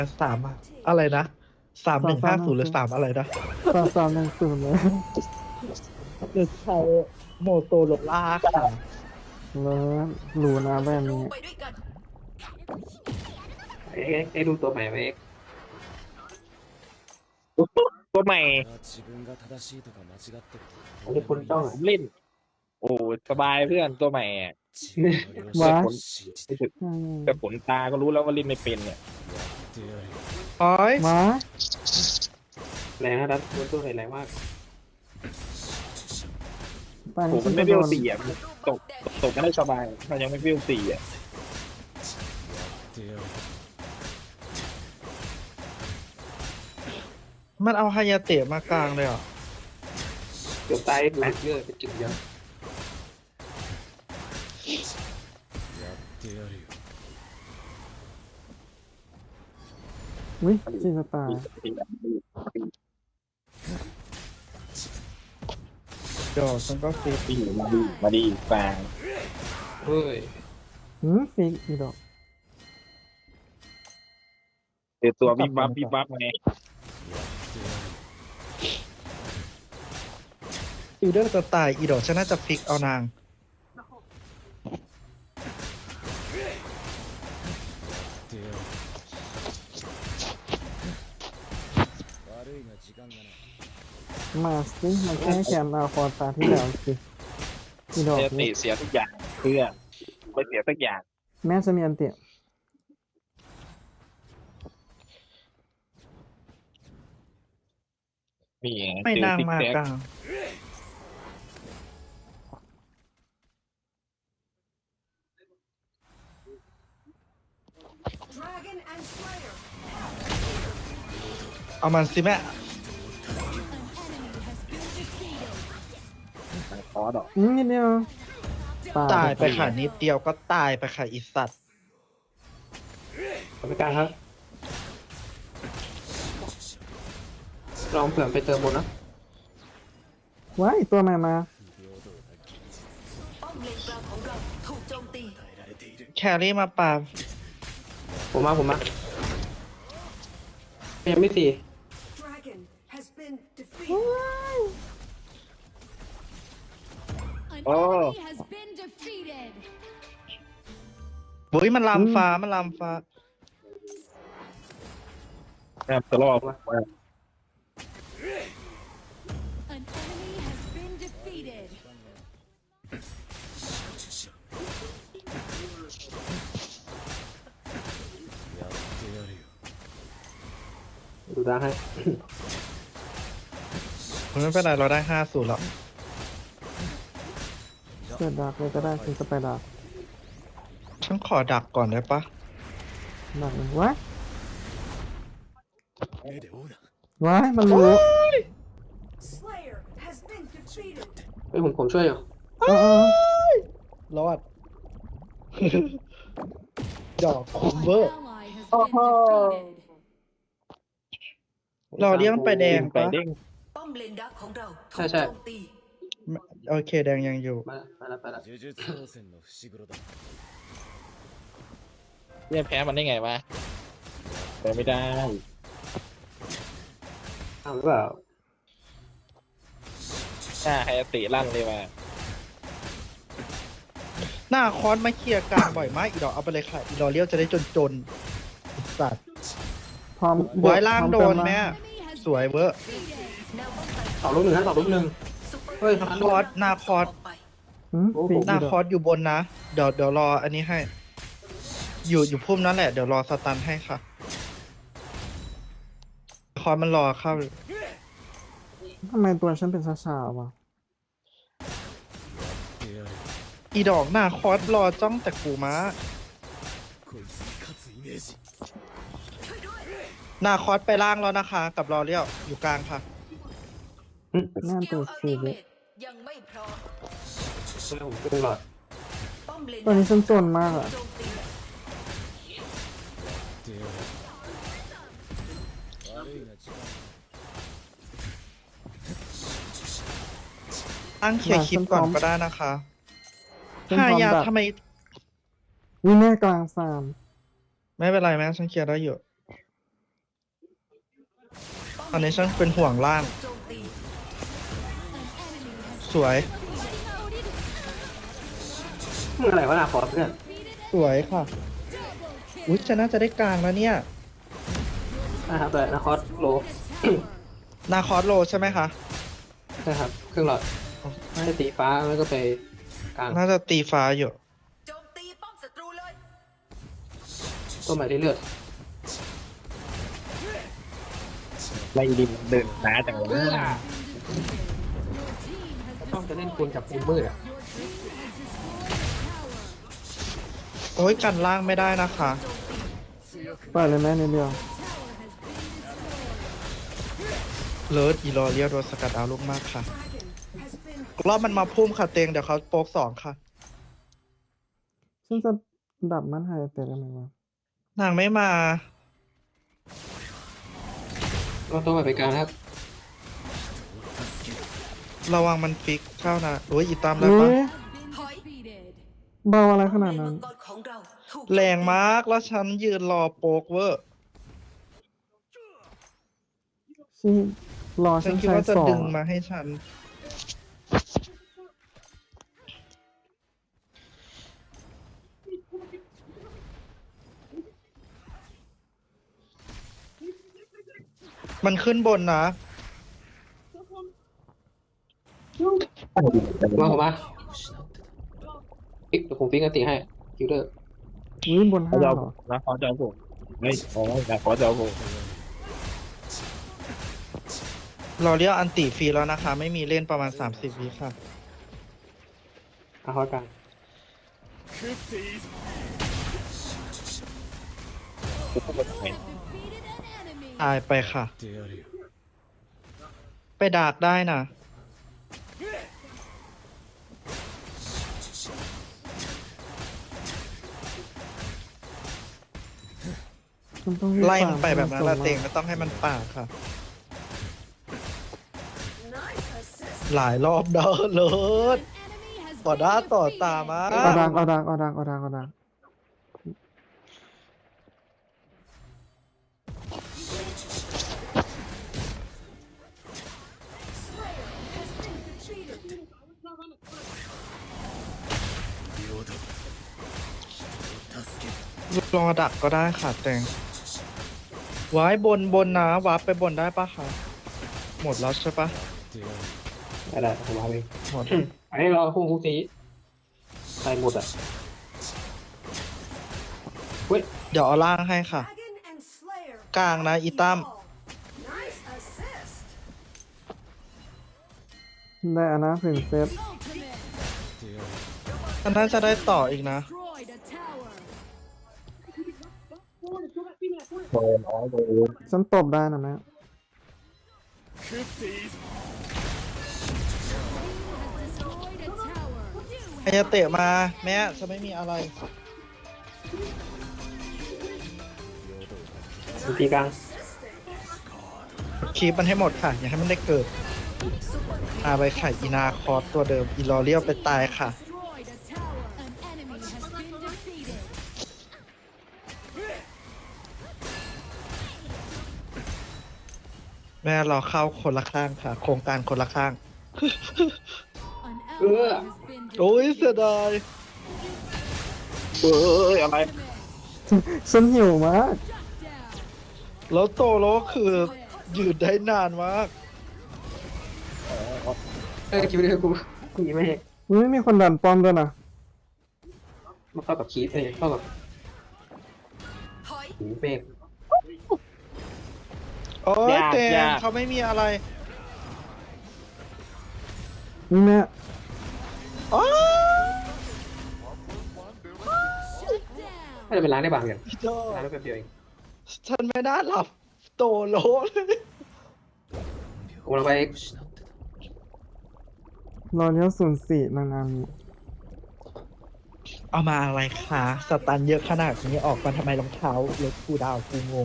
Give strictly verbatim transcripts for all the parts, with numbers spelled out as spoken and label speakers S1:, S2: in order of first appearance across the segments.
S1: สามอะอะไรนะสามหนึ่ง
S2: สามสามหนึ่ง
S1: ห้าศูนย์หรือสามอะไรนะ
S2: สามสามหนึ่งศูนย์เลย
S1: หรือใช้โมโตโรล่าค่ะ
S2: แล้วรู้นะแบบนี้
S3: ไปด้วยกัน
S4: เอ็กเอ็กดูตัวใหม่ไหมเอ็ก
S5: ตัวใหม่
S4: อันนี้คุณต้องอ่ะ
S5: เล่นโอ้สบายเพื่อนตัวใหม่อะ
S2: ว้า
S5: ผลแต่ผลตาก็รู้แล้วว่าเล่นไม่เป็นเนี่ย
S1: โอ้ย
S2: มา
S4: แรงนะดันตัวตัวแรงมาก
S2: ตอน
S5: โอ้
S2: นี้
S5: มัน
S2: ที่
S5: ไม่
S2: จะ
S5: เบี้
S2: โด
S5: ยวน สี่อ่ะมันตกตกกันได้สบายมันยังไม่เบี้ยวสี่อ่ะ
S1: มันเอาฮายาเตะมากลางเลยเหรอ
S4: เกือบตายดูเยอะเป็นจุดเยอะ
S2: วิจินตา
S1: เดี๋ยวฉันก็ฟี
S5: ปีมาดีมาดีฟาง
S4: เฮ้ย
S2: หืมฟิกอีดอก
S5: เจอตัววิบวับวิบวับไง
S1: ฟิลเดอร์จะตายอีดอกฉันน่าจะฟิกเอานาง
S2: มาสิมาแก้แค้นอาคอตาที่แล้วสิอีดอก
S5: เจอติ
S2: นี่
S5: เสียทุกอย่างเพื่อนไม่เสียสักอย่าง
S2: แม่จะมีอันเตีย
S5: นี่ไง
S1: ไม่
S5: เจอน
S1: าง
S5: ติ๊ก
S1: มา
S5: แท็ก
S1: กลาง
S3: Dragon and Slayer
S1: เอามันสิแม่
S5: คอร์ดอก
S2: อืมนิดเดียว
S1: ตายไปค่ะนิดเดียวก็ตายไปค่ะอีสัตว์
S4: ขอบคุณครับลองเผื่อไปเติมบนนะ
S2: ว้ายตัวใหม่มา
S3: ป้อมเลนกลางของเราถูกโจมตี
S1: แครี่มาปา
S4: ผมมาผมมายังไม่สี่
S3: Dragon has been defeated
S5: โอ้
S6: has been defeated.
S1: บุ้ยมันลามฟ้ามันลามฟ้า
S5: แอบตลอด
S6: An enemy has been defeated.
S4: ดูด้าให้
S1: ไม่เป็นไรเราได้ห้าศูนย์แล้ว
S2: เกิดดักเลยก็ได้ฉันจะไปดัก
S1: ฉันขอดักก่อนได้ปะ
S2: ดักเลยว้ายว้ายมันรู้
S3: Slayer has been defeated
S4: เฮ้ยผมผมช่วยอยู่
S2: เออเออ
S1: รอด ดอกคอม
S6: An
S1: เวอร์
S6: ally has been defeated.
S1: เราเลี้ยงไปแดง
S5: ไป
S1: ปะ
S5: เด้ง
S3: ป้อมเลนดักของเราถู
S4: ใช่
S3: ก
S4: ใช่
S3: โจมตี
S1: โอเคแดงยังอยู่
S4: มามาแล้วมาแล้ว
S5: เนี่ยแพ้มันได้ไงวะแพ้ไม่ได้
S4: ทำหรือเปล่า
S5: หน้าไฮยาติลั่นเลยมา
S1: หน้าคอนมาเคลียร์กลางบ่อยมากอีดอกเอาไปเลยค่ะอีดอเลี้ยวจะได้จนจนๆอีสัตว์
S2: พร้อม
S1: บอยล่างโดน
S2: พร้อ
S1: แม่
S6: Enemy has
S1: สวยเวอร์
S3: แนวป้องกัน
S4: ต่อลูกหนึ่งนะต่อลูกหนึ่ง
S3: ซุปเปอร์
S4: เฮ้ย
S1: คอร์สหน้าคอร์ส
S3: ออกไป
S2: หืมฟิก
S1: หน้า
S2: อีด
S1: ค
S2: อ
S1: อก ร์สอยู่บนนะ เดี๋ยวเดี๋ยวรออันนี้ให้ อยู่อยู่พุ่มนั่นแหละ เดี๋ยวรอสตันให้ค่ะ คอร์สมันรอเข้า
S2: ทำไมตัวฉันเป็นช้าๆวะ
S1: อีดอกหน้าคอร์สรอจ้องแต่กูม้า หน้าคอร์สไปล่างแล้วนะคะ กับรอเลี้ยวอยู่กลางค่ะ
S2: แน่น
S3: สกิ
S2: ตั
S3: ล
S2: ว
S3: อัล
S2: สี
S3: ติ
S2: เล
S3: เม
S2: ย
S3: ตยังไม่พร้อม
S4: ช่วยผมขึ้นหลอด
S3: ป้อมเลน
S2: ตัวนี้ฉันจนมากอะ
S3: โจมตี
S1: ตั้งเคลียร์คลิปก่อนก็ได้นะคะ
S2: ฉัน
S1: ห้า
S2: พร้อม
S1: ยา
S2: ดัก
S1: ทำไม
S2: วิแม่กลางสาม
S1: ไม่เป็นไรแม่ฉันเคลียร์ได้อยู่ตอนนี้ฉันเป็นห่วงล่าง
S3: โจมตี
S1: สวย
S4: มึงอะไรวะนาคอสเพื่อน
S1: สวยค่ะ อุ้ยฉันน่าจะได้กลางแล้วเนี่ย
S4: นะครับแต่นาคอสโล
S1: นาคอสโลใช่ไหมคะ
S4: ใช่ครับเครื่องหลอดไม่ได้ตีฟ้าแล้วก็ไปกลาง
S1: น่าจะตีฟ้าอยู่
S3: โจมตีป้อมศัตรูเลย
S4: ต้นไม้ได้เลือด
S5: ไล่ดินเดินหนาจังวะ
S4: ต้องจะเล่นคูณกับคูณมืดอ่ะ
S1: โอ้ยกันล่างไม่ได้นะคะ
S2: ปล่อยเลยแม่นิดเดียว
S1: เลิศอีลอเรียโดนสกัดเอาลูกมากค่ะรอบมันมาพุ่มค่ะเตงเดี๋ยวเขาโป๊กสองค่ะ
S2: ฉันจะดับมันหายแต่ได้ไหมวะ
S1: นางไม่มา
S4: ก็ต้นไม้ไปกลางครับ
S1: ระวังมันฟิกเข้านะโอ้ยอีตามแล้ว
S2: อุ้
S1: ปะ
S2: ย
S3: ถอย
S2: เบาอะไรขนาดนั้น
S3: มังกรของเราถูก
S1: แรงมากแล้วฉันยืนรอโป๊กเวอร์
S2: ชีรอ
S1: ฉั
S2: ฉั
S1: น
S2: น
S1: คิด
S2: ใช้
S1: ว่าจะ
S2: สอง
S1: ดึงมาให้ฉัน มันขึ้นบนนะ
S4: มาผมมาปิ๊กเดี๋ยวผมปิ๊กอันติให้คิวเดอร์
S2: อุ้ยบนห้า
S5: เขาจะเอา
S2: เหรอ
S5: นะเขาจะเอาผมไม่อ๋อนาคอสจะเอาผม
S1: เราเรียกอันติฟรีแล้วนะคะ ไม่มีเล่นประมาณสามสิบวิค่ะ
S4: นาคอสกลาง
S1: ตายไปค่ะ ไปดากได้นะ
S2: ฉันต้องรีบ
S1: ไล่มันไป
S2: ฟา
S1: แบบนั้นละ
S2: ส่งมา
S1: เตงไม่ต้องให้มันป่าดค่ะ หลายรอบเด้อเลิศต่อหน้าต่อตามา
S2: เอาดังเอาดังเอาดังเอาดังเอาดัง
S1: ลองดักก็ได้ค่ะแตงไว้บนบนนะวาร์ปไปบนได้ปะคะหมดแล้วใช่ปะ
S4: ได้ได้ผมมาเอง
S1: หมด
S4: ไอ้เราคู่คู่สีใส่หมดอ่ะเว้ย
S1: เดี๋ยวเอาล่างให้ค่ะ กลางนะอีตั้ม
S2: ได้อานาถึงเซต
S1: อันนั้นจะได้ต่ออีกนะ
S5: โดนอ๋อโดน
S2: ฉันตบได้นะแม่
S1: ใครจะเตะมาแม่จะไม่มีอะไร
S4: ตีกลาง
S1: คีปมันให้หมดค่ะ อย่าให้มันได้เกิดอาไปไข่อีนาคอสตัวเดิม อีลอเรียวไปตายค่ะ แม่เราเข้าคนละข้างค่ะ โครงการคนละข้าง
S4: เออ
S1: โอ้ยเสียดาย
S5: เอ้ยอะไร
S2: ฉันหิวมาก
S1: แล้วโตโลคือยืดได้นานมาก
S4: เออคิวเดอร์กูกูยังไม่เห็น
S2: อุ้ยไม่มีคนดันป้อมด้วยนะ
S4: มันเข้ากับคีฟเองเข้ากับ
S3: ถอย
S4: หูเป๊ก
S1: โอ้ยเตงเขาไม่มีอะไร
S2: นี่แม่
S1: อ๋อ
S4: ถ้าจะเป็นร้านได้บางอย่าง
S1: พี่โจ
S4: ร้านได้แป๊บเดียวเอง
S1: ฉันไม่น่าหลับโตโลเลย
S4: ผมเราไป
S2: รอเลี้ยวศูนย์สี่นางงามนี้
S1: เอามาอะไรคะสตันเยอะขนาดนี้ออกมาทำไมรองเท้าเล็กกูดาวกูงง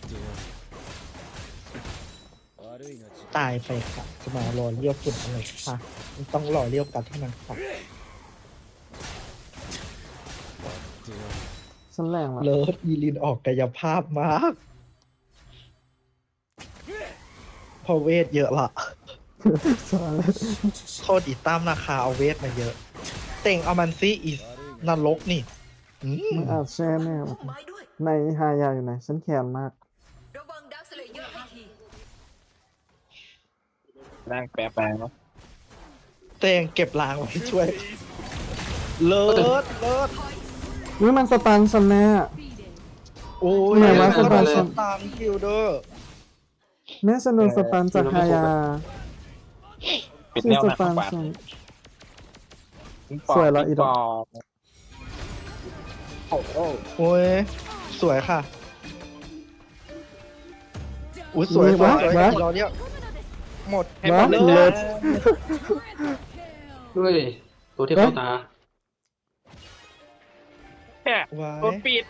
S1: ตายไปค่ะ จะมารอเลี้ยวฝุ่นอะไรค่ะมันต้องรอเลี้ยวกันเท่านั้นค่ะ
S2: ฉันแรงว่ะ
S1: เลิศอีลินออกกายภาพมากพอเวทเยอะละ
S2: สวย
S1: โทษอีตั้มราคาเอาเวทมาเยอะ เต่งเอามันซิอีนรกนี่อืม
S2: มึงอาจแช่แน่
S3: พุ่มไม้ด้วย
S2: ในฮายาอยู่ไหน ฉันแค้นมาก
S3: ระวังดักสเลเยอร์ให้ที
S5: ร่างแปรแปลงเนาะ
S1: เต่งเก็บล้างไว้ช่วย เลิศเลิศ
S2: นี่มันสตันฉันแน่
S1: โอ้ย
S2: ไหนวะ
S1: ส
S2: สบาย
S1: ตามคิวเดอร์
S2: แม่ฉันโดนสตันจากฮายา
S5: ปิด
S2: ชื่
S5: แน
S2: อ
S5: ว
S2: ส
S5: หนัก
S2: ตัน
S5: กว่า
S2: ฉัน
S5: ทิ้งปอ
S2: สวยละอี
S5: ทิ้ง
S2: ด
S5: ป
S2: อก
S5: อโอ้โห
S1: โอ้ยสวยค่ะอุ้ยสวยสวยสวยอีกรอเดียวหมด
S5: ให้หมดเลย
S2: เลิศ
S4: ด้วยตัวที่เข้าตา
S5: แค่
S1: ไว้
S5: โดนปิด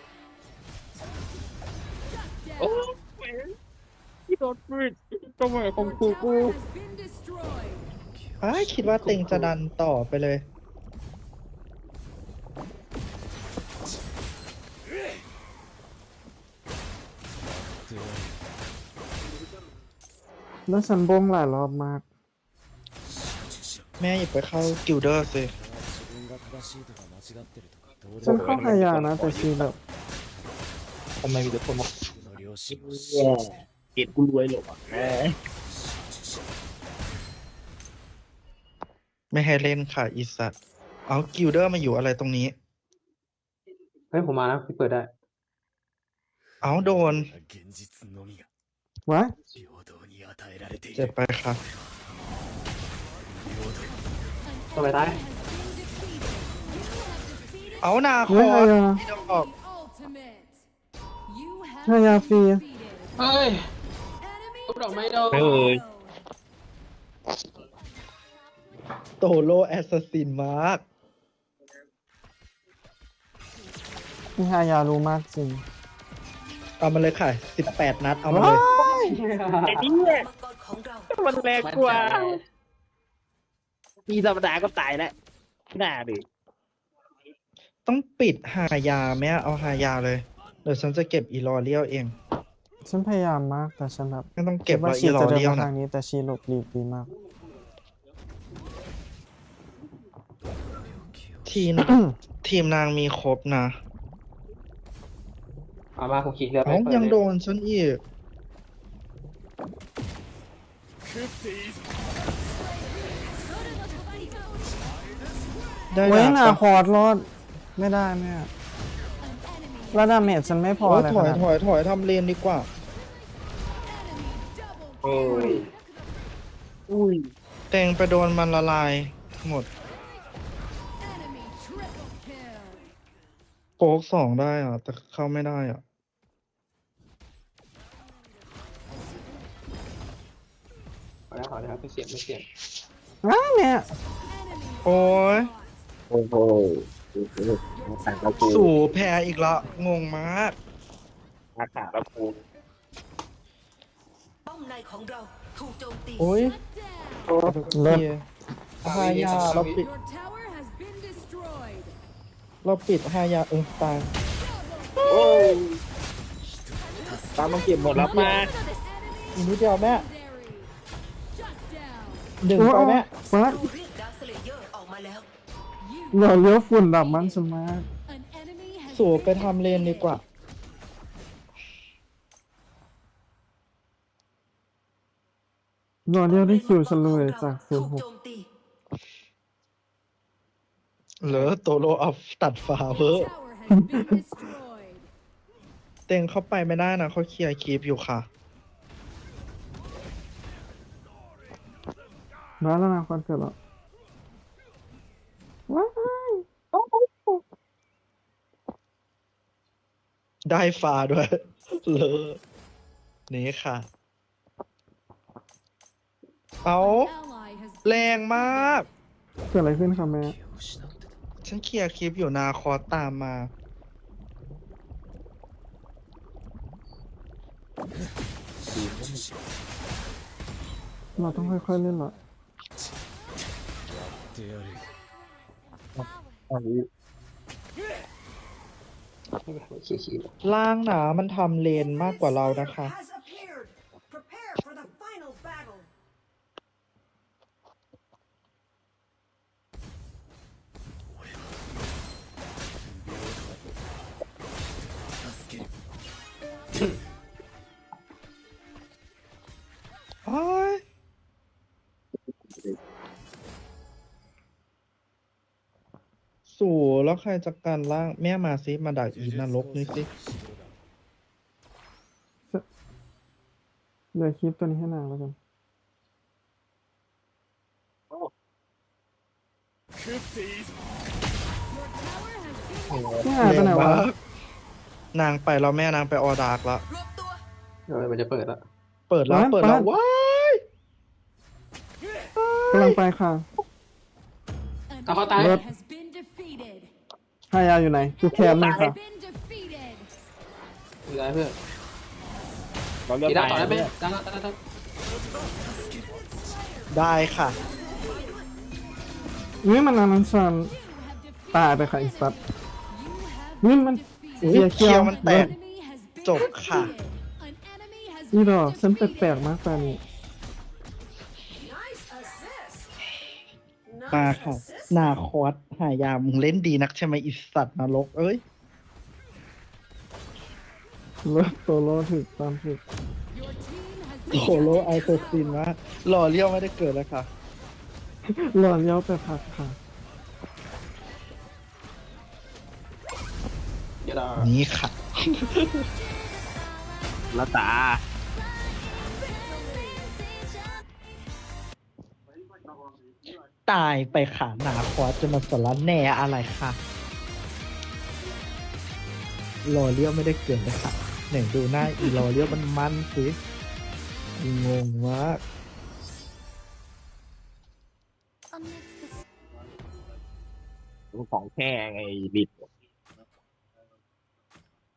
S5: โอ้ยที่โดนปิดก็เหมือนของกูกู
S1: ไอ้ายคิดว่าเต็งจะดันต่อไปเลย
S2: แล้วฉันบงหลายรอบมาก
S1: แม่อย่าไปเข้ากิลเดอร์สิ
S2: ฉันเข้าฮายานะ แต่ชีแบบ
S5: ทำไมมีแต่คนบอกเกลียดกูรวยหรอกแหม
S1: ไม่ให้เล่นค่ะอีสัตว์เอากิลเดอร์มาอยู่อะไรตรงนี้
S4: เฮ้ยผมมานะพี่เปิดได้
S1: เอาโดน
S2: วะ
S1: เจ็บไปค่ะ
S4: ตัวไปตาย
S1: เอานาค
S2: เฮ้ย
S1: อ
S2: ฮายา
S1: ที่จะออก
S2: ฮายาฟรี
S4: เฮ้ยทุบดอกไม้โดน
S5: เอ้ย
S1: โตโลแอสซัสซินมาก
S2: นี่ฮายารู้มากจริง
S1: เอามาเลยค่ะสิบแปดนัด เอามาเลย
S5: ไอ้เนี่ย
S3: มังกรของเรา
S5: มันแรงกว่ามีธรรมดาก็ตายแล้วหน้าดิ
S1: ต้องปิดฮายาไหมเอาฮายาเลย เดี๋ยวฉันจะเก็บอีลอเรียลเอง
S2: ฉันพยายามมากแต่ฉันแบบ
S1: ไม่ต้องเก็บ
S2: ว่า
S1: แล้ว
S2: ชี
S1: อีลอ
S2: จะเดิน
S1: เรียล
S2: มา
S1: นะ
S2: ทางนี้แต่ชีหลบหลีกดีมาก
S1: ทีม ทีมนางมีครบนะ
S4: เอามาผมขีดเรือไป
S1: เอ้า
S4: เปิด
S1: ยัง
S4: เลย
S1: โดนฉันอีก ได้
S2: เว้ย
S1: ดาบ
S2: นา
S1: ปะ
S2: คอร์ดรอด ไม่ได้แม่แล้วดาเมจฉันไม่พอ
S1: โอ้ย
S2: เลย
S1: ถอย
S2: ขนาด
S1: ถอยถอยทำเลนดีกว่า
S5: โอ้ยอุ้ย
S1: เตงไปโดนมันละลาย หมด โป๊กสองได้อ่ะ แต่เข้าไม่ได้อ่ะ
S4: ขอแล้วขอแล้วครับไม่เสียบไม่เสียบ
S2: อ้าวเนี่ย
S1: โอ้ย
S5: โอ้โหต่างกับกู
S1: สู่แพ้อีกละ งงมาก
S5: อาขาแล้วกู
S3: ป้อมในของเราถูกโจมตี
S1: โอ้ย
S2: เลิศ
S1: ฮายาเราปิด เราปิดฮายาเออตาย
S5: โอ้ยตามมาเก็บหมดแล้วมา
S1: อีกนิดเดียวแม่ ดึงไปแม่
S2: ฟัด
S3: เราเรียกดักสเลเยอร์ออกมาแล้ว
S2: เราเลี้ยวฝุ่นดับมันสมาก
S1: สู่ไปทำเลนดีกว่า
S2: เราเลี้ยวได้คิวฉันเลยจากศู
S3: ถู
S2: น
S3: ก
S2: ย์หก
S3: โจมตี
S1: เหลือโตโลอัพตัดฝาเวอร์เต็งเข้าไปไม่ได้นะเขาเคลียร์คีปอยู่ค่ะ
S2: มาแล้วนะคอนเกิดแล้วว้าย
S1: ได้ฟ้าด้วย เลอนี่ค่ะ เอาแรงมาก
S2: เกิดอะไรขึ้นคะแม่
S1: ฉันเคลียร์คลิปอยู่นาคอสตามมา
S2: เราต้องค่อยๆเล่นเหรอ
S5: อันนี้
S4: ขีดขีด
S1: ล่างหนามันทำเลนมากกว่าเรานะคะ
S7: has appeared. Prepare for the final battle.
S1: สูแล้วใครจัดการล่างแม่มาซิมาดักอีนรกนี่สิ
S2: เดี๋ยวคลิปตัวนี้ให้นางแล้วกัน
S6: Your tower has been
S2: นี่หายไปไหนวะ
S1: นางไปแล้วแม่นางไปออดาร์กแล้ว
S3: รวมตัว
S4: เดี๋ยวมันจะเปิดละ
S1: เปิดแล้ว
S2: ร้าน
S1: เปิดแล้ว
S2: ร้าน
S1: ว้าย
S2: กำลังไปค่ะ
S6: an
S4: เอาเขาตาย
S6: enemy has been defeated.
S2: ฮายาอยู่ไหนกูแคมเลยค่ะ
S6: Has been defeated.
S4: อยู่ได้เพื่อน
S5: เราเลือก
S4: กี
S5: ไป
S4: ฬาต่อได้ไหม
S5: เนี่ย
S4: ได้ได้ได้
S1: ได้ค่ะ
S2: นี่มันอันนั้นซัน
S6: You have defeated
S2: ตายไปค่ะอีสัตว์
S6: You have
S2: นี่มัน
S6: defeated.
S2: เกียร์
S1: เคี
S2: เคี
S1: ย
S2: ยว ว
S1: มันแตก
S6: Enemy has been
S1: จบค่ะ
S6: defeated. An enemy has
S2: นี่
S6: been
S2: ดอกฉันแ
S6: defeated.
S2: ปลกๆมากตอนนี้
S1: มาค่ะ นาคอสหายามึงเล่นดีนักใช่ไหมอิสัตว์นรกเอ้ย
S2: เลิกโซโล่ถึกตามถึก
S6: Your team has
S1: โคโลไอโซซินมากหล่อเลี้ยวไม่ได้เกิดเลยค่ะ
S2: หลอนเย้าไปพักค่ะ
S4: กีฬา
S1: นี่ค่ะ
S5: ละตา
S1: ตายไปค่ะนาคอสจะมาสารแหน่อะไรค่ะหล่อเลี้ยวไม่ได้เกิดเลยค่ะไหนดูหน้าอีหล่อเลี้ยวมันมันสิงงมาก
S5: ของแค่ไงบิด